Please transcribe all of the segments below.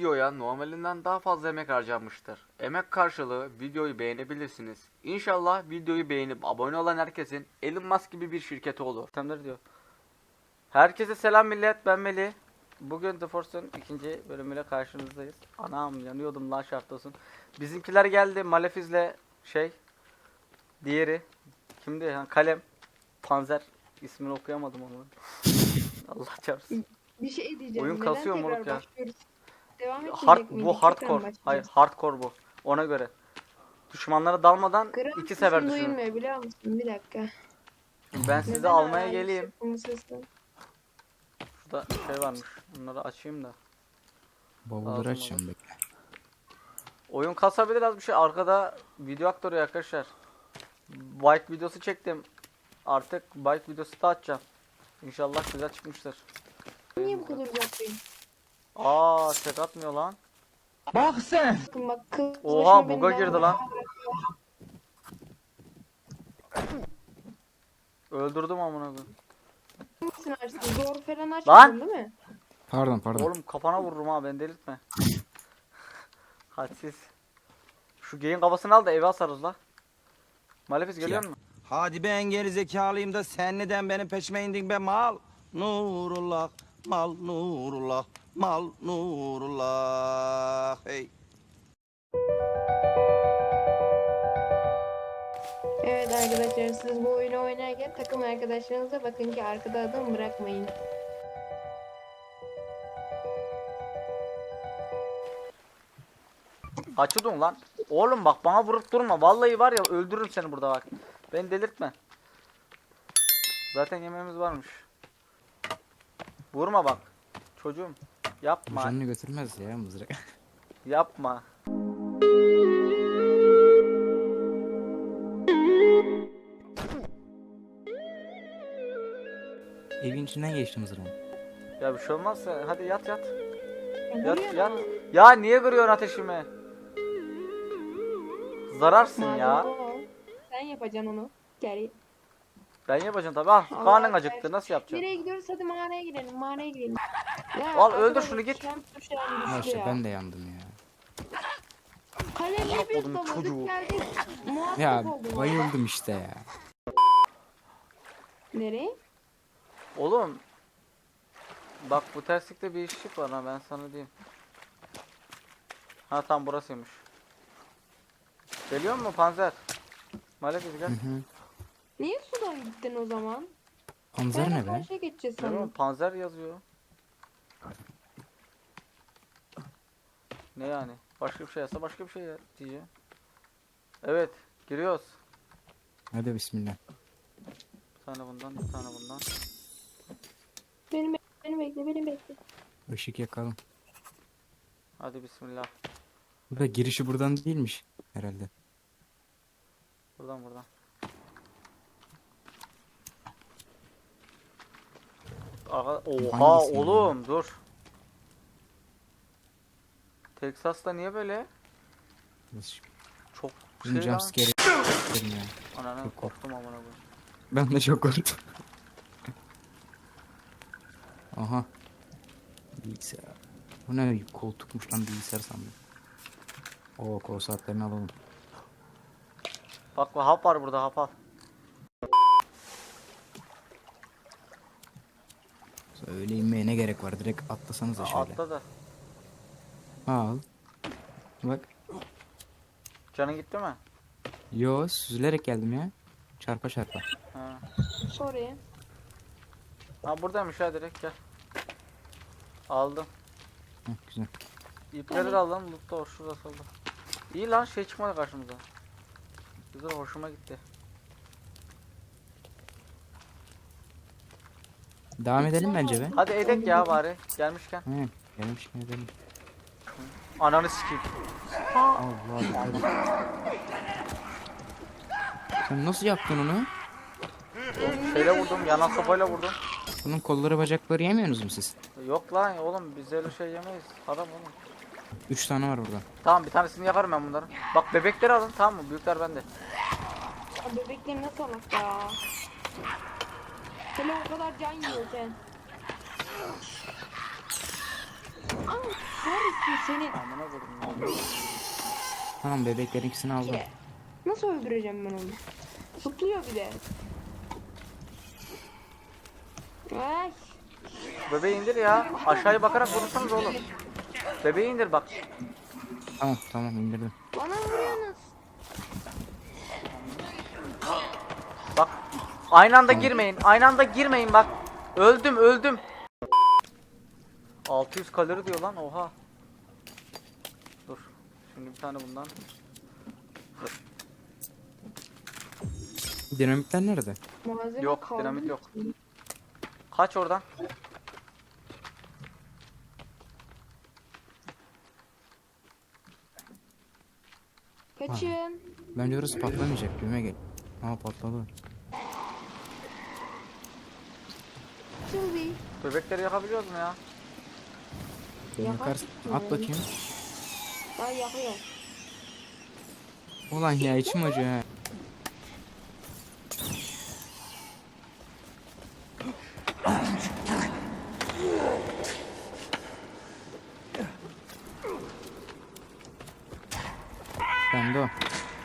videoya normalinden daha fazla emek harcanmıştır. Emek karşılığı videoyu beğenebilirsiniz. İnşallah videoyu beğenip abone olan herkesin Elon Musk gibi bir şirketi olur. Tamamdır diyor. Herkese selam millet, ben Melih. Bugün The Force'un ikinci bölümüyle karşınızdayız. Anam yanıyordum lan, şart olsun. Bizimkiler geldi, Malefiz'le diğeri kimdi? Ha, Kalem, Panzer, ismini okuyamadım onu. Allah çarpsın. Bir şey diyeceğim. Oyun Neden kasıyor tekrar moruk ya. başlıyoruz? Devam etmeyecek Bu miydik? hardcore. Tekrar mı Hayır, başlayacağız? hardcore bu. Ona göre. Düşmanlara dalmadan Gram 2 sefer sesin düşünün. duyulmuyor biliyor musun? Bir dakika. Ben sizi Neden almaya hala geleyim. yüksek bu sesi? Şurada şey varmış. Bunları açayım da. Bavulları Lazım açacağım bekle. Oyun kasabilir az bir şey. Arkada video aktörü arkadaşlar. Bike videosu çektim. Artık bike videosu da atacağım. İnşallah güzel çıkmıştır. Niye bu kadar uzaktayım? Aa, tek atmıyor lan. Bakın bak kız Oha, başına beni buga girdi lan. Öldürdüm amına koyayım. Hangisini açtın? Zor falan Lan! açmadın değil mi? Pardon. Oğlum kafana vururum ha, beni delirtme. Hadsiz. Şu geyin kafasını al da eve asarız la. Malefiz geliyor mu? Hadi ben geri zekalıyım da sen neden benim peşime indin be mal? Nurullah, mal nurullah, mal nurullah. Hey. Evet arkadaşlar, siz bu oyunu oynarken takım arkadaşlarınıza bakın ki arkada adam bırakmayın. Açıldın lan. Oğlum bak, bana vurup durma. Vallahi var ya, öldürürüm seni burada bak. Beni delirtme. Zaten yemeğimiz varmış. Vurma bak. Çocuğum. Yapma. Canını götürmez ya mızrak. Yapma. Evin içinden geçti mızrağın. Ya bir şey olmazsa hadi yat. Yat Vuruyor yat. ama. Ya niye kırıyorsun ateşimi? Zararsın Madem ya. o, sen yapacaksın onu. Gel. Ben yapacağım tabi. Ah, Allah karnın Allah. acıktı. Nasıl yapacaksın? Nereye gidiyoruz? Hadi mağaraya girelim. Mağaraya girelim. Ya, Al, öldür arkadaşlar, şunu, git. şu an düştü Arkadaşlar ya. ben de yandım ya. Kalemle bir Oğlum, çocuğu. doladık geldik. Muhakkak Ya oldu. bayıldım işte ya. Nereye? Oğlum. Bak, bu terslikte bir ışık var ha, ben sana diyeyim. Ha, tam burasıymış. Geliyor mu Panzer? Malefiz gel. Hı hı. Niye sudan gittin o zaman? Panzer Ben ne be? karşıya geçeceğiz Değil mi? sandım. Panzer yazıyor. Ne yani? Başka bir şey yazsa başka bir şey diyeceğim. Evet, giriyoruz. Hadi bismillah. Bir tane bundan, bir tane bundan. Beni bekle. Işık yakalım. Hadi bismillah. Bu da girişi buradan değilmiş herhalde. Buradan. Oha Hangisi oğlum, dur. Texas'ta niye böyle? Nasıl? Çok Bizim şey lan. jumpscare ya. Ananı Çok korktum amına koyayım. Ben de çok korktum. Aha. Bilgisayar. Bu ne koltukmuş lan, bilgisayar sandım. Oo, kol saatlerini alalım. Bak, hap var burada, hap al. Öyle inmeye ne gerek var? Direkt atlasanıza şöyle. Atla da. Al. Bak. Canın gitti mi? Yo, süzülerek geldim ya. Çarpa çarpa. Ha. Oraya. Ha, buradaymış ha, direkt gel. Aldım. Heh, güzel. İpleri de aldım. Lutta o, şurada solda. İyi lan, şey çıkmadı karşımıza. Güzel, hoşuma gitti. Devam edelim bence be. Hadi edek ya bari, gelmişken. He, gelmişken edelim. Ananı sikeyim. Allah dikkat et. Sen nasıl yaptın onu? Şeyle vurdum, yanan sopayla vurdum. Bunun kolları bacakları yemiyorsunuz mu siz? Yok lan oğlum, biz öyle şey yemeyiz. Haram oğlum. 3 tane var burada. Tamam, bir tanesini yaparım ben bunların. Bak, bebekleri alın, tamam mı? Büyükler bende. Ya bebekleri nasıl alak ya? Hele o kadar can yiyorken. Aa, neredesin Seni Amına koydum. Tamam bebeklerin ikisini aldım. ki. Nasıl öldüreceğim ben onu? Zıplıyor bir de. Ay. Bebeği indir ya. Aşağıya bakarak vurursanız oğlum. Bebeği indir bak. Tamam tamam indirdim. Bana vuruyorsunuz. Bak. Aynı anda girmeyin. Aynı anda girmeyin bak. Öldüm. 600 kalori diyor lan. Oha. Dur. Şimdi bir tane bundan. Dinamitler nerede? Malzeme Yok, kaldı dinamit mı yok. ki? Kaç oradan. Kaçın. Bence orası patlamayacak. Düğme gel. Aha patladı. Sylvie. Bebekleri yakabiliyoruz mu ya? Beni Yakar yakarsın. mı? At bakayım. Ben yakıyorum. Ulan ya içim acıyor ha. Ben de o.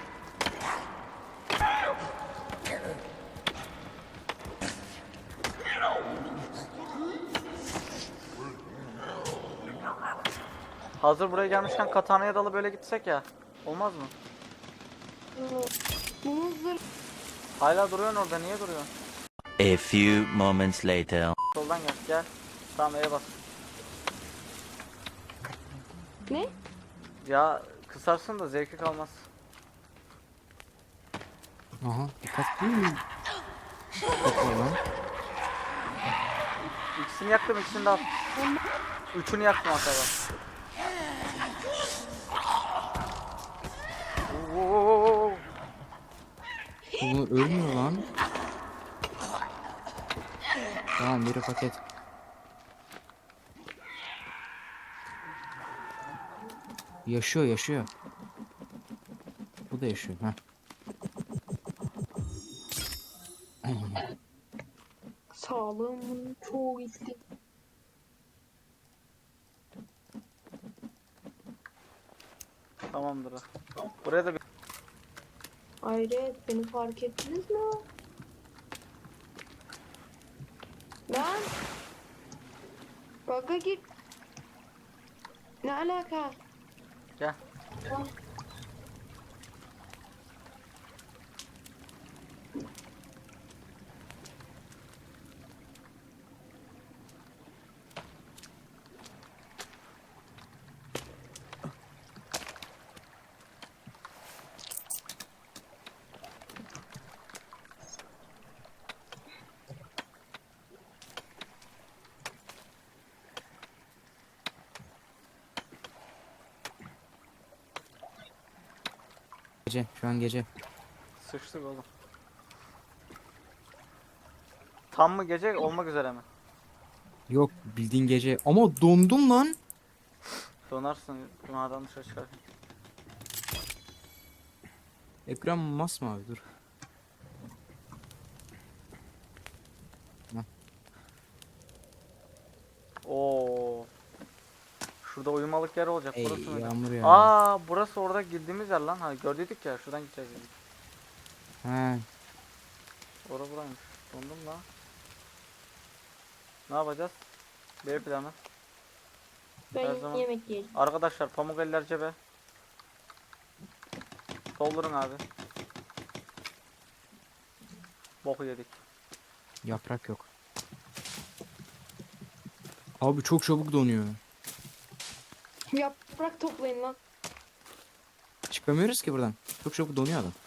Hazır buraya gelmişken katanaya dalı böyle gitsek ya. Olmaz mı? Bunun zırh. Hala duruyorsun orada. Niye duruyorsun? A few moments later. Soldan gel. Tamam E'ye bas. Ne? Ya kısarsın da zevki kalmaz. Aha dikkat. Topla lan. İkisini yaktım, ikisini de at. Üçünü yaktım hatta. Oo. Bu ölmüyor lan. Tamam biri paket. Yaşıyor. Bu da yaşıyor. Ha. Sağlığımın çoğu gitti. Tamamdır. Buraya da bir... Hayret, beni fark ettiniz mi? Lan! Baka git. Ne alaka? Gel. Gece. Şu an gece. Sıçtık oğlum. Tam mı gece olmak üzere mi? Yok bildiğin gece. Ama dondum lan. Donarsın. Maden dışarı çıkar. Ekran masmavi dur. Oo. Şurada uyumalık yer olacak. Ey Burası mıydı? yağmur ya. Aa, burası orada girdiğimiz yer lan. Ha gördük ya. Şuradan gideceğiz dedik. He. Orası buraymış. Dondum la. Ne yapacağız? B planı. Her Ben zaman. yemek yiyeceğim. Arkadaşlar pamuk eller cebe. Doldurun abi. Boku yedik. Yaprak yok. Abi çok çabuk donuyor. Yaprak toplayın lan. Çıkamıyoruz ki buradan. Çok çabuk donuyor adam.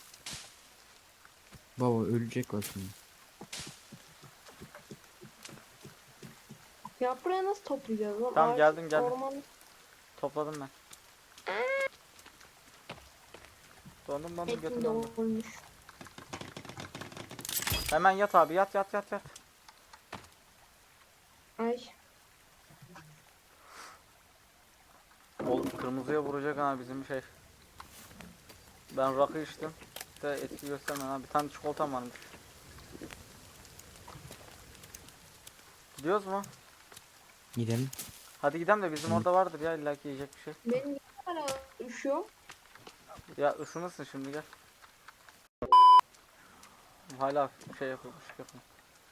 Baba ölecek bak şimdi. Yaprağı nasıl toplayacağız lan? Tamam, Ağaç, geldim. Orman... Topladım ben. Dondum Etim götüm dondu. dolmuş. Hemen yat abi, yat. Ay. Oğlum kırmızıya vuracak ha bizim şey. Ben rakı içtim. De etki göstermeden ha. Bir tane çikolatam varmış. Gidiyoruz mu? Gidelim. Hadi gidelim de bizim orada vardır ya illaki yiyecek bir şey. Benim niye hala üşüyor? Ya ısınırsın şimdi gel. Hala şey yapıyormuş yapın.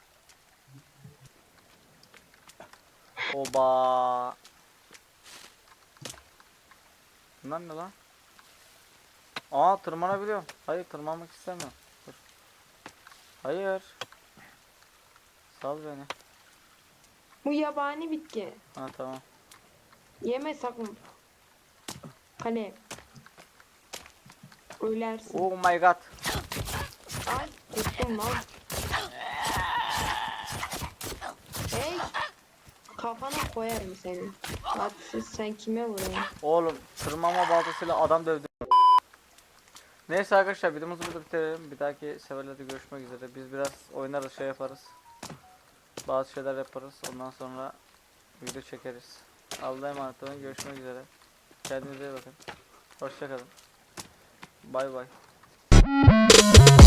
Oba. Bunlar ne lan? Aa tırmanabiliyorum. Hayır tırmanmak istemiyorum. Dur. Hayır. Sal beni. Bu yabani bitki. Ha tamam. Yeme sakın. Kale. Ölersin. Oh my god. Ay korktum lan. Hey. Kafana koyarım seni. Hadsız sen kime vuruyorsun? Oğlum tırmanma baltasıyla adam dövdü. Neyse arkadaşlar videomuzu burada bitirelim. Bir dahaki seferlerde görüşmek üzere. Biz biraz oynarız şey yaparız. Bazı şeyler yaparız. Ondan sonra video çekeriz. Allah'a emanet olun. Görüşmek üzere. Kendinize iyi bakın. Hoşça kalın. Bay bay.